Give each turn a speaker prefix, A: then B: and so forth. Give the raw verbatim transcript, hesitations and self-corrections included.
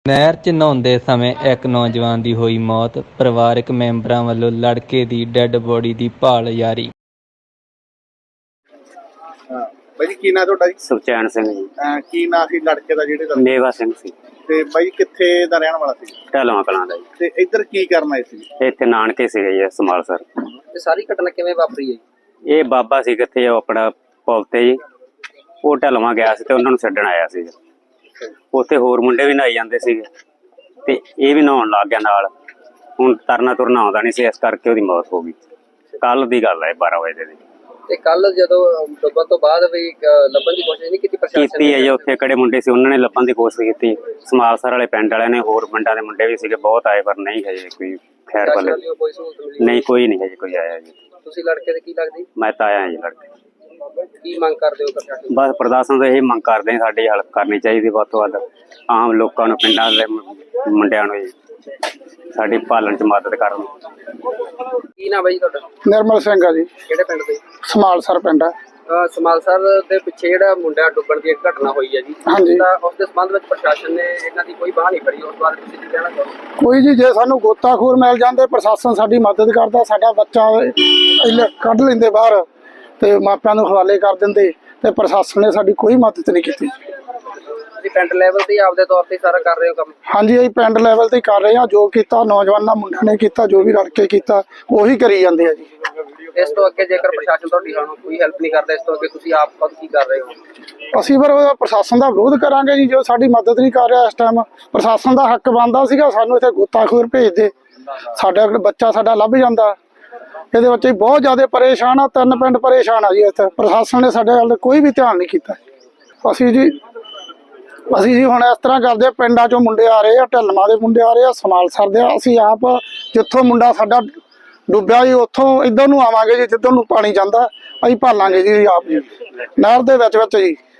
A: ਨਹਿਰ 'ਚ ਨਹਾਉਂਦੇ ਸਮੇਂ ਇੱਕ ਨੌਜਵਾਨ ਦੀ ਹੋਈ ਮੌਤ। ਪਰਿਵਾਰਕ ਮੈਂਬਰਾਂ ਵੱਲੋਂ ਲੜਕੇ ਦੀ ਡੈੱਡ ਬੋਡੀ ਦੀ ਭਾਲ ਜਾਰੀ।
B: ਹਾਂ ਬਾਈ ਜੀ, ਕੀ ਨਾਂ ਤੁਹਾਡਾ ਜੀ?
C: ਸੁਖਚੈਨ ਸਿੰਘ ਜੀ।
B: ਅਹ ਕੀ ਨਾਂ ਸੀ ਲੜਕੇ ਦਾ ਜਿਹੜੇ ਦਾ?
C: ਮੇਵਾ ਸਿੰਘ ਸੀ।
B: ਤੇ ਬਾਈ ਕਿੱਥੇ ਦਾ ਰਹਿਣ ਵਾਲਾ ਸੀ?
C: ਢਲਵਾਂ ਕਲਾਂ ਦਾ ਜੀ।
B: ਤੇ ਇੱਧਰ ਕੀ ਕਰਨ ਆਏ ਸੀ?
C: ਇੱਥੇ ਨਾਨਕੇ ਸੀਗੇ ਜੀ ਸਮਾਲਸਰ।
D: ਤੇ ਸਾਰੀ ਘਟਨਾ ਕਿਵੇਂ ਵਾਪਰੀ ਹੈ?
C: ਇਹ ਬਾਬਾ ਸੀ ਕਿੱਥੇ ਉਹ ਆਪਣਾ ਪੁਲ ਤੇ ਜੀ, ਉਹ ਢਲਵਾਂ ਗਿਆ ਸੀ ਤੇ ਉਹਨਾਂ ਨੂੰ ਛੱਡਣ ਆਇਆ ਸੀ। ਉੱਥੇ ਹੋਰ ਮੁੰਡੇ ਵੀ ਨਹਾਈ ਜਾਂਦੇ ਸੀਗੇ ਤੇ ਇਹ ਵੀ ਨਹਾਉਣ ਲੱਗ ਗਿਆ ਨਾਲ। ਹੁਣ ਤਰਨਾ ਤੁਰਨਾ ਆਉਂਦਾ ਨਹੀਂ ਸੀ, ਇਸ ਕਰਕੇ ਉਹਦੀ ਮੌਤ ਹੋ ਗਈ। ਕੱਲ ਦੀ ਗੱਲ ਹੈ, ਬਾਰਾਂ ਵਜੇ ਦੀ।
D: ਤੇ ਕੱਲ ਜਦੋਂ ਡੁੱਬਣ ਤੋਂ ਬਾਅਦ ਵੀ ਅਹ, ਲੱਭਣ ਦੀ ਕੋਸ਼ਿਸ਼ ਨਹੀਂ ਕੀਤੀ ਪ੍ਰਸ਼ਾਸਨ
C: ਕੀਤੀ ਹੈ ਜੀ। ਉੱਥੇ ਕਿਹੜੇ ਮੁੰਡੇ ਸੀ, ਉਹਨਾਂ ਨੇ ਲੱਭਣ ਦੀ ਕੋਸ਼ਿਸ਼ ਕੀਤੀ। ਸਮਾਲਸਰ ਵਾਲੇ ਪਿੰਡ ਵਾਲਿਆਂ ਨੇ, ਹੋਰ ਪਿੰਡਾਂ ਦੇ ਮੁੰਡੇ ਵੀ ਸੀਗੇ, ਬਹੁਤ ਆਏ, ਪਰ ਨਹੀਂ ਹੈ ਜੀ ਕੋਈ ਖੈਰ
D: ਪ੍ਰਸ਼ਾਸਨ
C: ਭਲੇ।
D: ਵੱਲੋਂ ਕੋਈ ਸਹੂਲਤ ਮਿਲੀ?
C: ਨਹੀਂ, ਕੋਈ ਨਹੀਂ ਹੈ ਜੀ, ਕੋਈ ਆਇਆ ਜੀ।
D: ਤੁਸੀਂ ਲੜਕੇ ਦੇ ਕੀ ਲੱਗਦੀ?
C: ਮੈਂ ਤਾਂ ਆਇਆ ਜੀ ਲੜਕੇ।
D: ਕੀ ਮੰਗ ਕਰਦੇ ਹੋ ਪ੍ਰਸ਼ਾਸਨ?
C: ਬਸ ਪ੍ਰਸ਼ਾਸਨ ਤੋਂ ਇਹ ਮੰਗ ਕਰਦੇ ਹਾਂ, ਸਾਡੀ ਹੈਲਪ ਕਰਨੀ ਚਾਹੀਦੀ ਵੱਧ ਤੋਂ ਵੱਧ। ਆਮ ਲੋਕਾਂ ਨੂੰ, ਪਿੰਡਾਂ ਦੇ ਮੁੰਡਿਆਂ ਨੂੰ ਜੀ ਸਾਡੀ ਪਾਲਣ ਚ ਮਦਦ ਕਰਨ।
D: ਕੀ ਨਾਮ ਹੈ ਜੀ ਤੁਹਾਡਾ?
E: ਨਿਰਮਲ ਸਿੰਘ ਆ ਜੀ।
D: ਕਿਹੜੇ ਪਿੰਡ ਦੇ?
E: ਸਮਾਲਸਰ ਪਿੰਡ ਆ।
D: ਅਹ, ਸਮਾਲਸਰ ਦੇ ਪਿੱਛੇ ਜਿਹੜਾ ਮੁੰਡਾ ਡੁੱਬਣ ਦੀ ਇੱਕ ਘਟਨਾ ਹੋਈ ਹੈ ਜੀ,
E: ਹਾਂਜੀ।
D: ਤਾਂ ਉਸ ਦੇ ਸੰਬੰਧ ਵਿੱਚ ਪ੍ਰਸ਼ਾਸਨ ਨੇ ਇਹਨਾਂ ਦੀ ਕੋਈ ਬਾਹ ਨਹੀਂ ਫੜੀ। ਉਸ ਬਾਰੇ ਤੁਸੀਂ ਕੀ ਕਹਿਣਾ ਚਾਹੋਗੇ?
E: ਕੋਈ ਜੀ, ਜੇ ਸਾਨੂੰ ਗੋਤਾਖੋਰ ਮਿਲ ਜਾਂਦੇ, ਪ੍ਰਸ਼ਾਸਨ ਸਾਡੀ ਮਦਦ ਕਰਦਾ, ਸਾਡਾ ਬੱਚਾ ਇਹਲੇ ਕੱਢ ਲੈਂਦੇ ਬਾਹਰ ਤੇ ਮਾਪਿਆਂ ਨੂੰ ਹਵਾਲੇ ਕਰ ਦਿੰਦੇ, ਤੇ ਪ੍ਰਸ਼ਾਸਨ ਨੇ ਸਾਡੀ ਕੋਈ ਮਦਦ ਨਹੀਂ ਕੀਤੀ।
D: ਤੁਸੀਂ ਪਿੰਡ ਲੈਵਲ ਤੇ ਆਪਦੇ ਤੌਰ ਤੇ ਸਾਰਾ ਕਰ ਰਹੇ ਹੋ ਕੰਮ?
E: ਹਾਂਜੀ, ਅਸੀਂ ਪਿੰਡ ਲੈਵਲ ਤੇ ਕਰ ਰਹੇ ਹਾਂ। ਜੋ ਕੀਤਾ ਨੌਜਵਾਨਾਂ ਮੁੰਡਿਆਂ ਨੇ ਕੀਤਾ, ਜੋ ਵੀ ਰਲ ਕੇ ਕੀਤਾ, ਉਹੀ ਕਰੀ ਜਾਂਦੇ ਆ ਜੀ।
D: ਇਸ ਤੋਂ ਅੱਗੇ ਜੇਕਰ ਪ੍ਰਸ਼ਾਸਨ ਤੁਹਾਡੀ ਹੁਣ ਕੋਈ ਹੈਲਪ ਨਹੀਂ ਕਰਦਾ, ਇਸ ਤੋਂ ਅੱਗੇ ਤੁਸੀਂ ਆਪ ਖੁਦ ਕੀ ਕਰ ਰਹੇ ਹੋ?
E: ਅਸੀਂ ਫਿਰ ਉਹਦਾ ਪ੍ਰਸ਼ਾਸਨ ਦਾ ਵਿਰੋਧ ਕਰਾਂਗੇ ਜੀ। ਜੋ ਸਾਡੀ ਮਦਦ ਨਹੀਂ ਕਰ ਰਿਹਾ ਇਸ ਟਾਈਮ, ਪ੍ਰਸ਼ਾਸਨ ਦਾ ਹੱਕ ਬਣਦਾ ਸੀਗਾ ਸਾਨੂੰ ਇੱਥੇ ਗੋਤਾਖੋਰ ਭੇਜਦੇ, ਸਾਡਾ ਬੱਚਾ ਸਾਡਾ ਲੱਭ ਜਾਂਦਾ। ਇਹਦੇ ਬੱਚੇ ਬਹੁਤ ਜ਼ਿਆਦਾ ਪਰੇਸ਼ਾਨ ਆ, ਤਿੰਨ ਪਿੰਡ ਪਰੇਸ਼ਾਨ ਆ ਜੀ ਇੱਥੇ। ਪ੍ਰਸ਼ਾਸਨ ਨੇ ਸਾਡੇ ਵੱਲ ਕੋਈ ਵੀ ਧਿਆਨ ਨਹੀਂ ਕੀਤਾ। ਅਸੀਂ ਜੀ ਅਸੀਂ ਜੀ ਹੁਣ ਇਸ ਤਰ੍ਹਾਂ ਕਰਦੇ, ਪਿੰਡਾਂ ਚੋਂ ਮੁੰਡੇ ਆ ਰਹੇ ਆ, ਢਲਵਾਂ ਦੇ ਮੁੰਡੇ ਆ ਰਹੇ ਆ, ਸਮਾਲਸਰ ਦੇ। ਅਸੀਂ ਆਪ ਜਿੱਥੋਂ ਮੁੰਡਾ ਸਾਡਾ ਡੁੱਬਿਆ ਜੀ, ਉੱਥੋਂ ਇੱਧਰ ਨੂੰ ਆਵਾਂਗੇ ਜੀ, ਜਿੱਧਰ ਨੂੰ ਪਾਣੀ ਜਾਂਦਾ। ਅਸੀਂ ਭਾਲਾਂਗੇ ਜੀ ਆਪ ਜੀ, ਨਹਿਰ ਦੇ ਵਿੱਚ ਵਿੱਚ ਜੀ।